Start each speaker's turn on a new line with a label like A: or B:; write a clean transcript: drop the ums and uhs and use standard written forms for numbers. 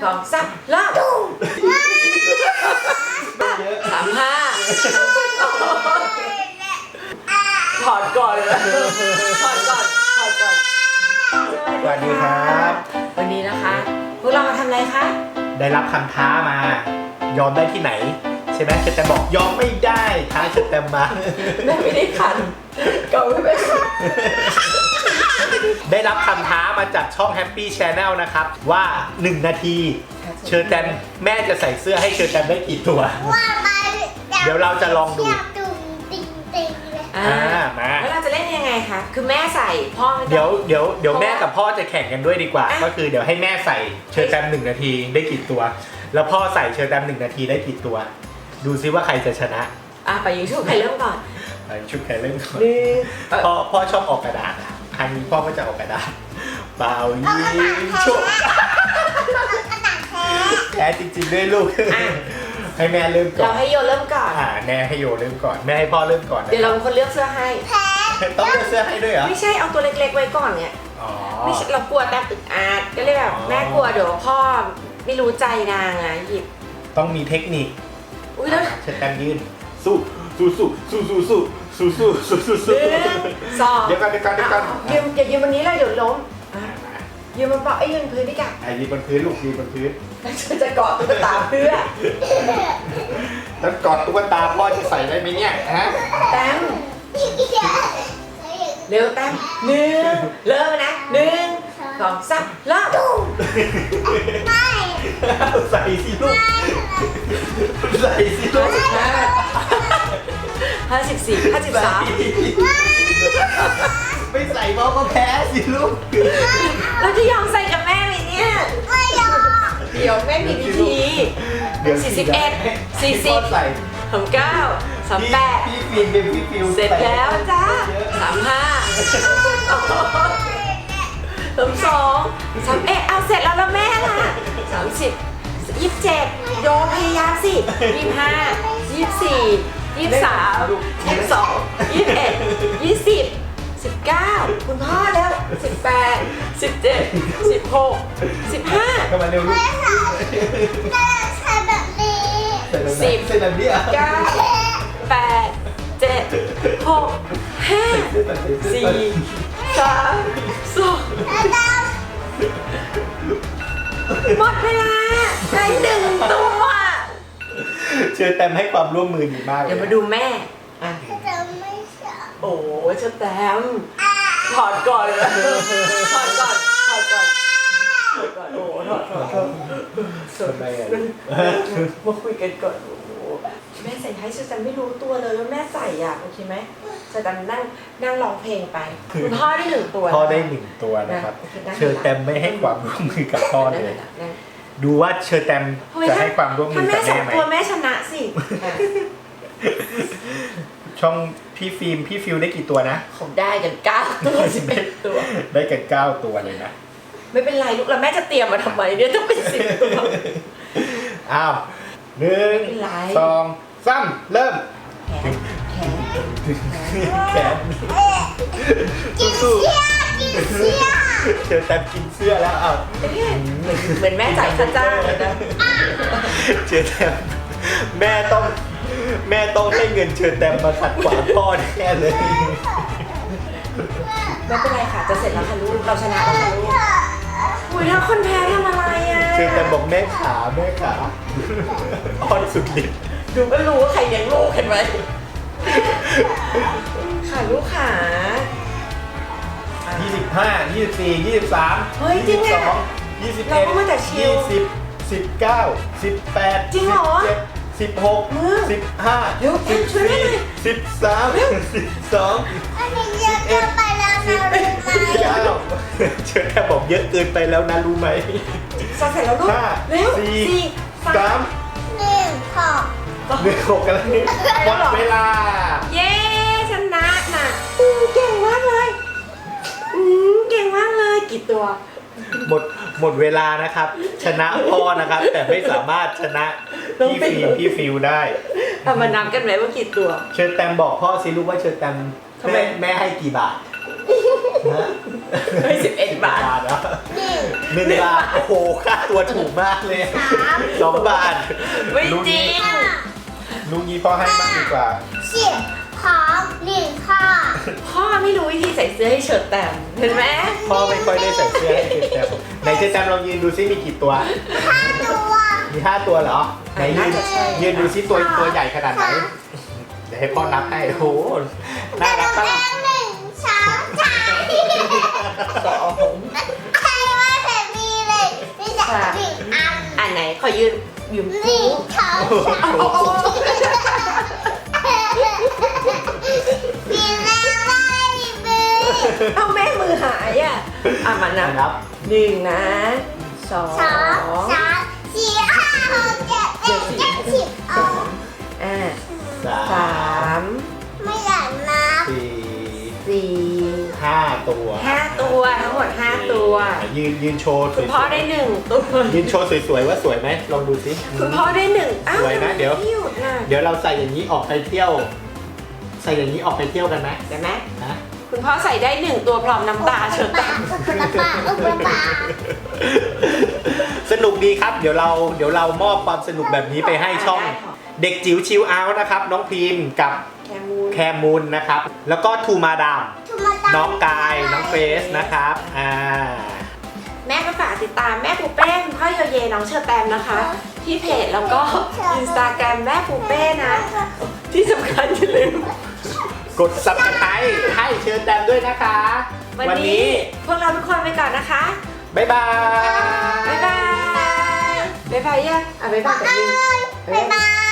A: 2 3เริ่ม35ถอดก่อนเลยถอดก่อน
B: สวัสดีครับ
A: วันนี้นะคะพวกเรามาทำอะไรคะ
B: ได้รับคำท้ามายอมได้ที่ไหนใช่ไหมเชอร์แตมบอกยอมไม่ได้ท้าเชอร์แตมมา
A: แม่ไม่ได้คันก็ไม่เป็น
B: ได้รับคำท้ามาจากช่อง Happy Channel นะครับว่า 1 นาทีเชอร์แตมแม่จะใส่เสื้อให้เชอร์แตมได้กี่ตัว เดี๋ยวเราจะลองดูมา
A: แล้วเราจะเล่นยังไงคะคือแม่ใส่พ่อไม่ต้อง
B: เดี๋ยวแม่กับพ่อจะแข่งกันด้วยดีกว่า ก็คือเดี๋ยวให้แม่ใส่เชอร์แตม1 นาทีได้กี่ตัว แล้วพ่อใส่เชอร์แตม1 นาทีได้กี่ตัว ดูซิว่าใครจะชนะ
A: ไปยิงชุบใครเริ่มก่อน
B: ชุดใครเล่นก่อนพ่อชอบออกกระดาษครั้งนี้พ่อก็จะออกกระดาษเปล่ายิงชุบแพ้จริงๆด้วยลูกให้แม่เริ่มก่อน
A: เราให้โยเริ่มก่อน
B: แม่ให้โยเริ่มก่อนแม่ให้พ่อเริ่มก่อน
A: เดี๋ยวเราเป็นคนเลือกเสื้อให้
B: ต้องเลือกเสื้อให้ด้วยเหรอ
A: ไม่ใช่เอาตัวเล็กๆไว้ก่อนเนี่ยไม่ใช่เรากลัวแต่อึดอัดก็เลยแบบแม่กลัวเดี๋ยวพ่อไม่รู้ใจนางอ่ะหยิบ
B: ต้องมีเทคนิค
A: แล้ว
B: เชอร์แตมยืนสู้
A: 2เดี๋ยวก่อนอย่ายืนบนนี้เลยเดี๋ยวล้มยืนบนเปล่ายืนพื้นดิจ้ะ
B: ยืนบนพื้นลูกยืนบนพื้น
A: จะเกาะตุ๊กตาเพื่อ
B: แล้วกอดตุ๊กตาพ่อจะใส่ได้ไหมเนี่ยฮะ
A: แต้มเร็วแต้ม1เริ่มนะ1 2 3เริ่ม
B: ไม่ใส่สิลูกใส่สิลูก
A: 54 53
B: ไม่ใส่พ่อก็แพ้สิลูก
A: เราจะยอมใส่กับแม่ไหมเนี่ยไม่ยอมเดี๋ยวแม่มีวิธี41 40 39 38
B: พี่ฟิล์มเป็นพี่ฟิว
A: เสร็จแล้วจ้า35 32 31เอาเสร็จแล้วแม่ล่ะ30 27โยพยายามสิ25 24 23 22 21 20 19คุณพ่อแล้ว18 17 16 15
B: เข้ามาเร็วลูก
C: ใส่แบบนี้
B: 10เส้นแบบนี้อ่ะ
A: 9 8 7 6 5 4 3 2หมดเวลาได้1 ตัว
B: เชิญแตมให้ความร่วมมือดีมากเลย
A: เดี๋ยวมาดูแม่
C: จะไม่ชอบ
A: โอ้เชิญแตมถอดก่อนเลยถอดก่อนโอ้ถอด
B: ทำไมอ่ะ
A: มาคุยกันก่อนโอ้แม่ใส่ให้เชิญแตมไม่รู้ตัวเลยว่าแม่ใส่โอเคไหมเชิญแตมนั่งร้องเพลงไปคุณพ่อได้1 ตัว
B: พ่อได้1 ตัวนะครับเชิญแตมไม่ให้ความร่วมมือกับพ่อเลยดูว่าเชอร์แตมจะให้ความร่วมมือกับแม่ไหม
A: ตัวแม่ชนะสิ
B: ช่องพี่ฟิล์มพี่ฟิวได้กี่ตัวนะ
A: ผมได้กัน9 ตัว11 ตัว
B: ได้กัน9 ตัวเลยนะ
A: ไม่เป็นไรลูกแล้วแม่จะเตรียมมาทำไมเนี่ยต้องเป็น10 ตัว
B: อ้าว1 2 3เริ่มแขน
C: กินเสื้อ
B: เชอร์แตมกินเสื้อแล้ว
A: เหมือนแม่จ่ายค่าจ้างเลยนะ
B: เชอร์แตมแม่ต้องให้เงินเชอร์แตมมาขัดขวางพ่อแน่เลย
A: ไม่เป็นไรค่ะจะเสร็จแล้วค่ะลูกเราชนะแล้วค่ะลูกอุ้ยแล้วคนแพ้ทำอะไร
B: เชอร์แตมบอกแม่ขาอ่อนสุดฤทธิ์
A: ดูก็รู้ว่าใครเลี้ยงลูกเห็นไหมค่ะลูกขา
B: 25 24 23
A: เฮ้ยจริงอ่ะ
B: 21
A: เราก็มาจากชิล
B: 20 19 18
A: จริงเหรอ
B: 16 15
A: เร็วช่วยแม่หน่อย
B: 13 12
C: อันนี้เยอะเกินไปแล้วนะรู้ไหม
B: เชิญแค่บอกเยอะเกินไปแล้วนะรู้ไหม
A: เสร็จแล้วลูกเร็ว
B: 4 3
C: 1
B: กันแล้วนี่หมดเวลา
A: เย้ชนะน่ะเก่งมากเลยเก่งมากเลยกี่ตัว
B: หมดเวลานะครับชนะพ่อนะครับแต่ไม่สามารถชนะพี่ฟิวได้
A: มานับกันไหมว่ากี่ตัว
B: เชิญแตมบอกพ่อสิลูกว่าเชิญแตมแม่ให้กี่บาท
A: เฮ้ย11 บาท
B: เนาะ
C: หนึ่ง
B: 1 บาท โอ้โห ค่าตัวถูกมากเลย 2 บาท
A: ไม่จริง
B: ลุงนี้พ่อให้บ้างดีกว่า
C: สิบของหนึ่งข้อ
A: พ่อไม่รู้วิธีใส่เสื้อให้เฉิดแต้มเห็นไหม
B: พ่อไม่ค่อยได้ใส่เสื้อให้เชอแตมไหนเชอแตมลองยืนดูซิมีกี่ตัว
C: ห้าตัว
B: มี 5 ตัวเหรอ ไหนยืนดูซิตัวใหญ่ขนาดไหน เดี๋ยวให้พ่อนับให้ โอ้โห น่ารัก
C: แต่
B: มาก
C: หนึ่งสองสาม
A: สอง
C: ใครว่าแต่มีเลยมีแต่หนึ่งอัน
A: อันไหนขอยืนยืม
C: หนึ่งสองสามมีแล้วไม่มือ
A: เอาแม่มือหายอ่ะมานั
B: นั
A: บบ 1นะ2
C: สองสามสี่ห้าหกเจ็ดแปดเก้าสิบอ๋อ
A: 3
C: ไม่อยากนับ
A: 4
B: 5 ตัว
A: 5 ตัวทั้งหมด5 ตัว
B: ยืนโชว์ส
A: คุ
B: วย
A: ณพ่อได้1 ตัว
B: ยืนโชว์สวยๆว่าสวยไหมลองดูซิ
A: คุณพ่อได้1อ้าว
B: สวยนะเดี๋ยว
A: ไม่หยุดน่ะ
B: เดี๋ยวเราใส่อย่างนี้ออกไปเที่ยว ใส่อย่างนี้ออกไปเที่ยวกันไหม
A: เห็นไหม
B: นะ
A: คุณพ่อใส่ได้1 ตัวพร้อมน้ำตาเฉิดแต้ม
C: ปา
B: สนุกดีครับ เดี๋ยวเรามอบความสนุกแบบนี้ไปให้ช่องเด็กจิ๋วชิลเอาท์นะครับ น้องพิมพ์กับ
A: แคมูน
B: แคมูลนะครับ แล้วก็ทูมาดาม น้องกาย น้องเฟสนะครับ
A: แม่ก็ฝากติดตามแม่ปูเป้คุณพ่อโยเยน้องเชอร์แตมนะคะ ที่เพจแล้วก็อินสตาแกรมแม่ปูเป้นะ ที่สำคัญอย่าลืม
B: กด subscribe ให้เชิญแตมด้วยนะคะ
A: วันนี้พวกเราทุกคนไปก่อนนะคะ
B: บ๊ายบาย
A: บ๊ายบาย บ๊ายบายยังบ๊ายบายกับยิง
C: บ๊ายบาย